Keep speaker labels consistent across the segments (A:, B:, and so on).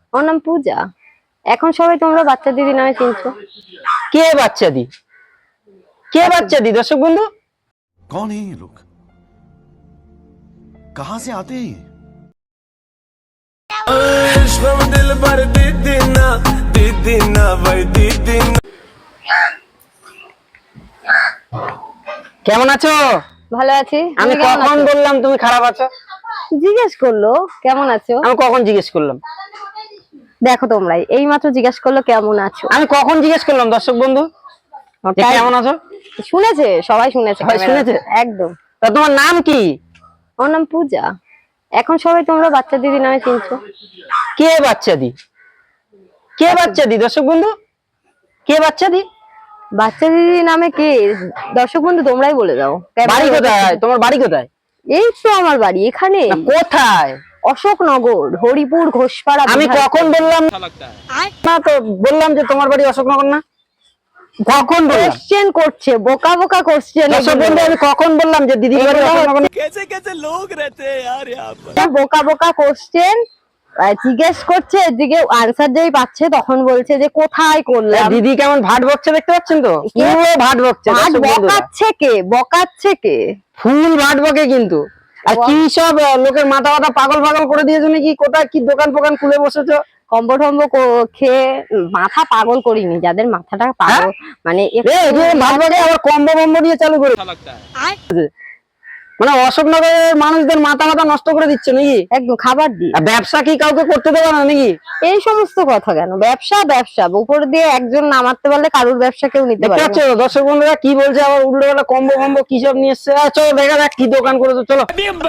A: ওর নাম পূজা। এখন সবাই তোমরা বাচ্চা দিদি নামে চিনছো।
B: কে বাচ্চা দি? কে বাচ্চা দি? দর্শক বন্ধু,
C: कौन है ये लोग? कहां से आते हैं?
B: কেমন আছো?
A: ভালো আছি।
B: আমি
A: তুমি কেমন
B: কখন
A: আছো?
B: বললাম তুমি খারাপ আছো?
A: জিজ্ঞেস করলো কেমন আছো।
B: আমি কখন জিজ্ঞেস করলাম?
A: দেখো তোমরাই এই মাত্র জিজ্ঞেস করলো কেমন আছো।
B: আমি কখন জিজ্ঞেস করলাম দর্শক বন্ধু যে
A: তাই
B: কেমন আছো?
A: শুনেছে, সবাই শুনেছে।
B: সবাই শুনেছে?
A: একদম।
B: তা তোমার নাম কি?
A: ওর নাম পূজা। এখন সবাই তোমরা বাচ্চা দিদি নামে চিনছো।
B: কে বাচ্চা দি? কে বাচ্চা দি? দর্শক বন্ধু, কে বাচ্চা দি?
A: বাচ্চা দিদি নামে কে? দর্শক বন্ধু তোমরাই বলে দাও।
B: বাড়ি কোথায়? তোমার বাড়ি কোথায়?
A: এই তো আমার বাড়ি এখানে।
B: না, কোথায়?
A: অশোকনগর, হরিপুর, ঘোষপাড়া।
B: আমি কখন বললাম না? তো বললাম যে তোমার বাড়ি অশোকনগর না? কখন বললাম?
A: কোশ্চেন করছে, বোকা বোকা কোশ্চেন।
B: দর্শক বন্ধু, আমি কখন বললাম যে দিদি বাড়ি অশোকনগর না?
A: বোকা বোকা কোশ্চেন জিজ্ঞেস করছে, এদিকে আনসার যেই পাচ্ছে তখন বলছে যে কোথায় করলাম।
B: দিদি কেমন ভাট বকছে দেখতে পাচ্ছেন তো? পুরো ভাট বকছে।
A: ভাট
B: দর্শক বন্ধুরা,
A: বকাচ্ছে কে? বকাচ্ছে কে?
B: ফুল ভাট বকে কিন্তু। আর কি সব লোকের মাথা মাথা পাগল পাগল করে দিয়েছো নাকি? কোথায় কি দোকান ফোকান খুলে বসেছো?
A: কম্বো টম্বো খেয়ে মাথা পাগল করিনি, যাদের মাথাটা পাগল মানে
B: ভাট বকে আবার কম্বো বম্বো দিয়ে চালু করে, মানে অশোকনগরের মানুষদের মাথা মাথা নষ্ট করে দিচ্ছে নাকি?
A: একদম খাবার দিই।
B: আর ব্যবসা কি কাউকে করতে দেবে না নাকি?
A: এই সমস্ত কথা কেন? ব্যবসা ব্যবসা, উপর দিয়ে একজন নামাতে পারলে কারোর ব্যবসা কেউ নিতে পারে না।
B: দর্শক বন্ধুরা কি বলছে আবার উল্টো পাল্টা কম্বো কম্বো কি সব নিয়ে এসছে। চলো দেখা যাক কি দোকান করেছো, চলো।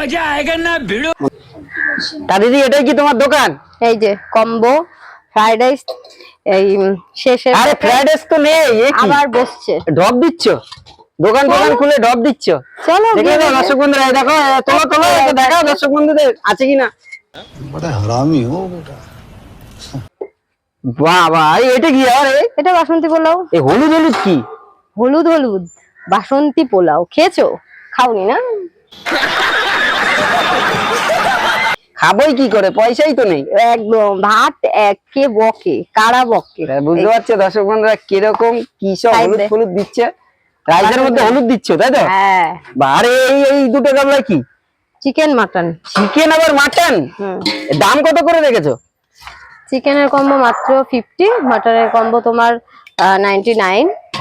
B: তা দিদি, এটাই কি তোমার দোকান?
A: এই যে কম্বো ফ্রাইড রাইস, এই শেষে
B: আরে ফ্রাইড রাইস তো নেই,
A: আবার বসছে।
B: ডব দিচ্ছ? দোকান টোকান খুলে ডব দিচ্ছ?
A: চলো
B: দেখে দাও দর্শক বন্ধুরা, এই দেখো, তোলো তোলো, এটা দেখাও দর্শক বন্ধুদের আছে কিনা।
C: बड़ा हरामी हो बेटा।
B: বাহ বাহ, এটা কি? আরে
A: এটা বাসন্তী পোলাও।
B: এই হলুদ হলুদ কি?
A: হলুদ হলুদ বাসন্তী পোলাও খেয়েছো? খাওনি না?
B: খাবোই কি করে, পয়সাই তো নেই।
A: একদম ভাত কে বকে, কারা বকে।
B: বুঝতে পারছো দর্শক বন্ধুরা কিরকম কি সব হলুদ হলুদ দিচ্ছে? রাইসের মধ্যে হলুদ দিচ্ছ তাই তো?
A: হ্যাঁ।
B: আরে এই এই দুটো গামলা কি?
A: Chicken mutton.
B: চিকেন আবার মাটন? দাম কত করে রেখেছো?
A: চিকেনের কম্বো মাত্র 50, মাটনের কম্বো তোমার 99।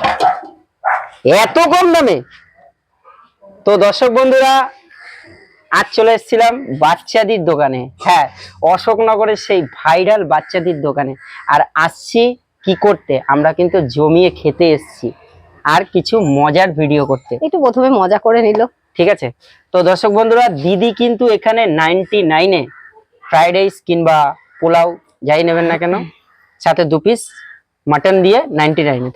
B: এত কম দামে? তো দর্শক বন্ধুরা, আজ চলে এসেছিলাম বাচ্চাদের দোকানে। হ্যাঁ, অশোকনগরের সেই ভাইরাল বাচ্চাদের দোকানে। আর আসছি কি করতে? আমরা কিন্তু জমিয়ে খেতে এসেছি আর কিছু মজার ভিডিও করতে।
A: একটু প্রথমে মজা করে নিল,
B: ঠিক আছে? তো দর্শক বন্ধুরা, দিদি কিন্তু এখানে 99-এ ফ্রাইড রাইস কিংবা পোলাও যাই নেবেন না কেন, সাথে 2 পিস মাটন দিয়ে 99-এ।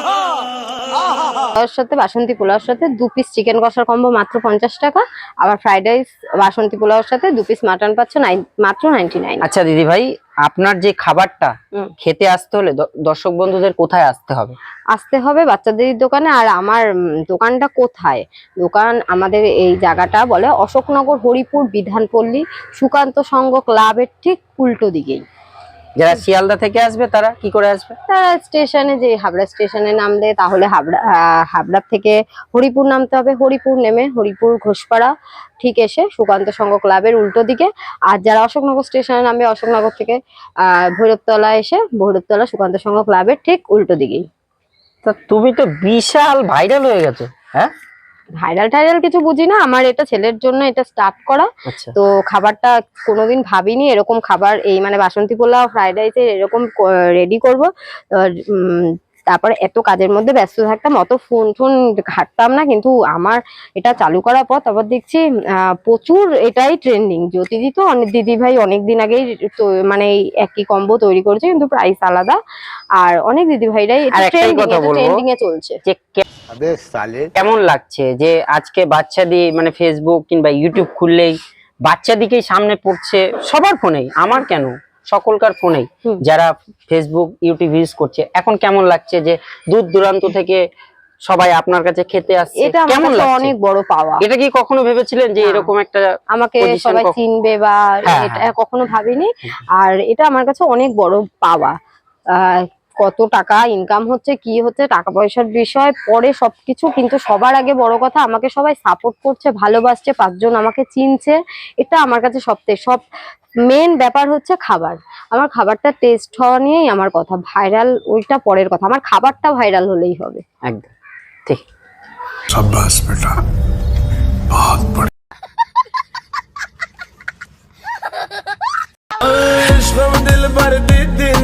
A: তার সাথে বাসন্তী পোলাওর সাথে 2 পিস চিকেন কষার কম্বো মাত্র 50 টাকা। আবার ফ্রাইড রাইস বাসন্তী পোলাওর সাথে 2 পিস মাটন পাচ্ছ মাত্র 99।
B: আচ্ছা দিদি ভাই, আপনার যে খাবারটা খেতে আসতে হলে দর্শক বন্ধুদের কোথায় আসতে হবে?
A: আসতে হবে বাচ্চাদের দোকানে। আর আমার দোকানটা কোথায়? দোকান আমাদের এই জায়গাটা বলে অশোকনগর, হরিপুর, বিধানপল্লী, সুকান্ত সংঘ ক্লাবের ঠিক উল্টো দিকেই।
B: যারা শিয়ালদা থেকে আসবে তারা কি করে আসবে?
A: তারা স্টেশনে, যে হাবড়া স্টেশনে নামলে তাহলে হাবড়া থেকে হরিপুর নামতে হবে। হরিপুর নেমে হরিপুর ঘোষপাড়া ঠিক এসে সুকান্ত সংঘ ক্লাবের উল্টো দিকে। আর যারা অশোকনগর স্টেশনে নামবে অশোকনগর থেকে ভৈরবতলা এসে ভৈরবতলা সুকান্ত সংঘ ক্লাবের ঠিক উল্টো দিকেই।
B: তা তুমি তো বিশাল ভাইরাল হয়ে গেছো। হ্যাঁ,
A: ভাইরাল টাইরাল কিছু বুঝি না, আমার এটা ছেলের জন্য এটা স্টার্ট করা। তো খাবারটা কোনোদিন ভাবিনি এরকম খাবার, এই মানে বাসন্তী পোলাও ফ্রাইড রাইসের এরকম রেডি করবো। তারপরে এত কাজের মধ্যে ব্যস্ত থাকতাম, অত ফোন ঘাটতাম না। কিন্তু আমার এটা চালু করার পর তারপর দেখছি প্রচুর এটাই ট্রেন্ডিং। জ্যোতিদি তো অনেক দিদি ভাই অনেকদিন আগেই মানে একই কম্বো তৈরি করেছে, কিন্তু প্রাইস আলাদা। আর অনেক দিদি ভাইরাই ট্রেন্ডিং এ চলছে।
B: কেমন লাগছে যে আজকে বাচ্চাদের মানে ফেসবুক কিংবা ইউটিউব খুললেই বাচ্চাদিকেই সামনে পড়ছে সবার ফোনেই, আমার কেন সকলকার ফোনেই যারা ফেসবুক ইউটিউব ইউজ করছে। এখন কেমন লাগছে যে দূর দূরান্ত থেকে সবাই আপনার কাছে খেতে আসছে,
A: এটা আমার
B: কেমন
A: কাছে
B: লাগছে?
A: অনেক বড় পাওয়া।
B: এটা কি কখনো ভেবেছিলেন যে
A: না।
B: এরকম একটা
A: আমাকে
B: position
A: সবাই চিনবে বা
B: হ্যাঁ,
A: এটা
B: হ্যাঁ।
A: কখনো ভাবিনি। আর এটা আমার কাছে অনেক বড় পাওয়া। কত টাকা ইনকাম হচ্ছে কি হচ্ছে টাকা পয়সার বিষয় পরে সবকিছু, কিন্তু সবার আগে বড় কথা আমাকে সবাই সাপোর্ট করছে, ভালোবাসছে, 5 জন আমাকে চিনছে, এটা আমার কাছে সব মেন ব্যাপার হচ্ছে খাবার। আমার খাবারটা টেস্ট হওয়া নিয়েই আমার কথা, ভাইরাল ওইটা পরের কথা, আমার খাবারটা ভাইরাল হলেই হবে।
B: একদম ঠিক।
C: शाबाश बेटा।